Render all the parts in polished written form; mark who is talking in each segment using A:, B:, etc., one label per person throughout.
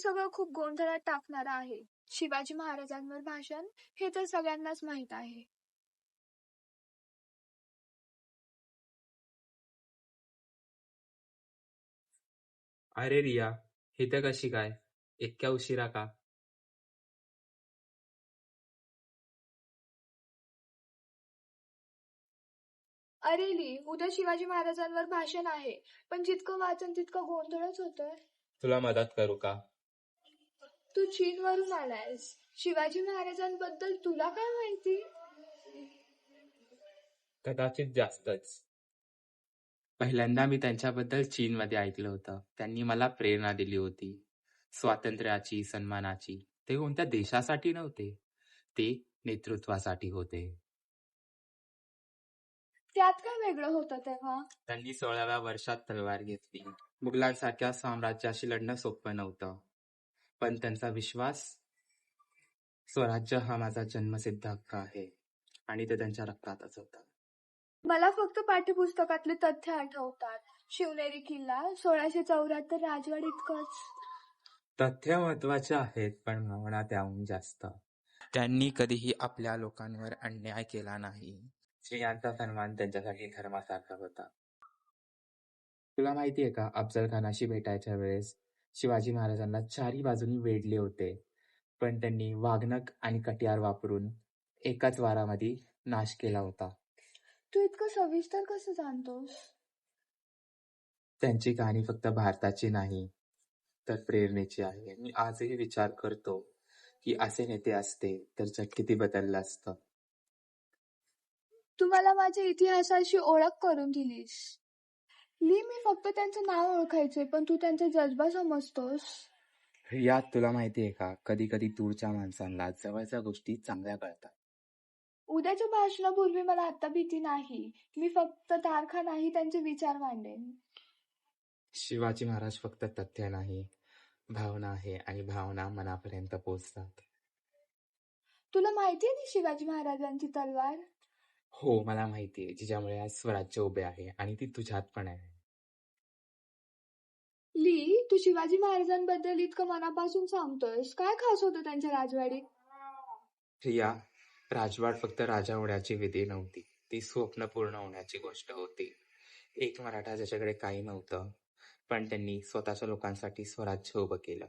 A: सगळं खूप गोंधळात टाकणारं आहे. शिवाजी महाराजांवर भाषण हे तर सगळ्यांनाच माहीत आहे.
B: अरे रिया, इथं कशी काय? इतक्या उशिरा का?
A: अरे ली, उद्या शिवाजी महाराजांवर भाषण आहे, पण जितकं वाचन तितकं गोंधळच होतोय.
B: तुला मदत करू का?
A: तू चीनवरून आलायस. शिवाजी महाराजांबद्दल तुला काय माहिती?
B: कदाचित जास्तच. पहिल्यांदा मी त्यांच्याबद्दल चीनमध्ये ऐकलं होतं. त्यांनी मला प्रेरणा दिली होती. स्वातंत्र्याची, सन्मानाची. ते कोणत्या देशासाठी नव्हते. ते नेतृत्वासाठी होते.
A: त्यात काय वेगळं होतं तेव्हा?
B: त्यांनी 16व्या वर्षात तलवार घेतली. मुघलांसारख्या साम्राज्याशी लढणं सोपं नव्हतं. पण त्यांचा विश्वास, स्वराज्य हा माझा जन्मसिद्ध हक्क आहे आणि ते त्यांच्या रक्तातच होतं.
A: मला फक्त पाठ्यपुस्तकातले तथ्य आठवतात. शिवनेरी किल्ला, 1674 राजवाड इतकंच.
B: तथ्य महत्वाचे आहेत, पण भावना त्याहून जास्त. त्यांनी कधीही आपल्या लोकांवर अन्याय केला नाही. स्त्रियांचा सन्मान त्यांच्यासाठी धर्मासारखा होता. तुला माहितीये का, अफजल खानाशी भेटायच्या वेळेस शिवाजी महाराजांना चारी बाजूनी वेढले होते, पण त्यांनी वाघनख आणि कटियार वापरून एकाच वारामध्ये नाश केला होता.
A: तू इतकं सविस्तर कसं जाणतोस?
B: त्यांची कहाणी फक्त भारताची नाही, तर प्रेरणेची आहे. मी आजही विचार करतो की असे नेते असते तर जग किती बदललं असतं.
A: तू मला माझ्या इतिहासाशी ओळख करून दिलीस. ली, मी फक्त त्यांचं नाव ओळखायचे, पण तू त्यांचा जज्बा समजतोस.
B: यात तुला माहितीये का, कधी कधी दूरच्या माणसांना जवळच्या गोष्टी चांगल्या कळतात.
A: उद्याच्या भाषणापूर्वी मला आता भीती नाही. मी फक्त तारखा नाही, त्यांचे विचार मांडेन.
B: शिवाजी महाराज फक्त तथ्य नाही, भावना आहे, आणि भावना मनापर्यंत पोहोचतात.
A: तुला माहितीये ती शिवाजी महाराजांची तलवार?
B: हो, मला माहितीये, जिच्यामुळे आज स्वराज्य उभे आहे, आणि ती तुझ्यात पण आहे.
A: ली, तू शिवाजी महाराजांबद्दल इतकं मनापासून सांगतोयस. काय खास होतं त्यांच्या राजवाडीत?
B: प्रिया, राजवाड फक्त राजा होण्याची विधी नव्हती, ती स्वप्न पूर्ण होण्याची गोष्ट होती. एक मराठा ज्याच्याकडे काही नव्हतं, पण त्यांनी स्वतःच्या लोकांसाठी स्वराज्य उभं केलं.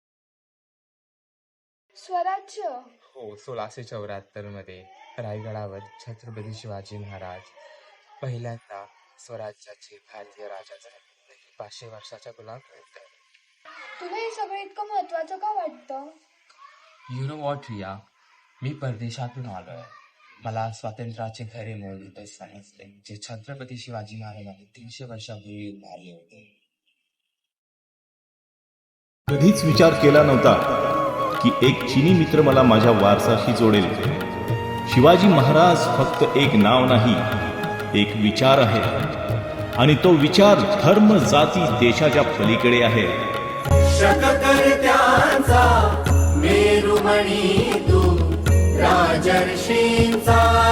A: स्वराज्य?
B: हो, 1674 मध्ये रायगडावर छत्रपती शिवाजी महाराज पहिल्यांदा स्वराज्याचे भारतीय राजा झाले. 500 वर्षाच्या गुलामगिरीनंतर.
A: तुला हे सगळं इतकं महत्वाचं का वाटतं?
B: यु नो वॉट रिया, मी परदेशातून आलोय. मला स्वातंत्र्याचे खरे मूळ इथे समजले, जे छत्रपती शिवाजी महाराजांनी 300 वर्षापूर्वी उभारले होते.
C: कधीच विचार केला नव्हता की एक चीनी मित्र मला माझ्या वारसाशी जोडेल. शिवाजी महाराज फक्त एक नाव नाही, एक विचार आहे, आणि तो विचार धर्म, जाती, देशाच्या पलीकडे आहे.
D: शककर्त्यांचा मेरुमणी तू, राजर्षींचा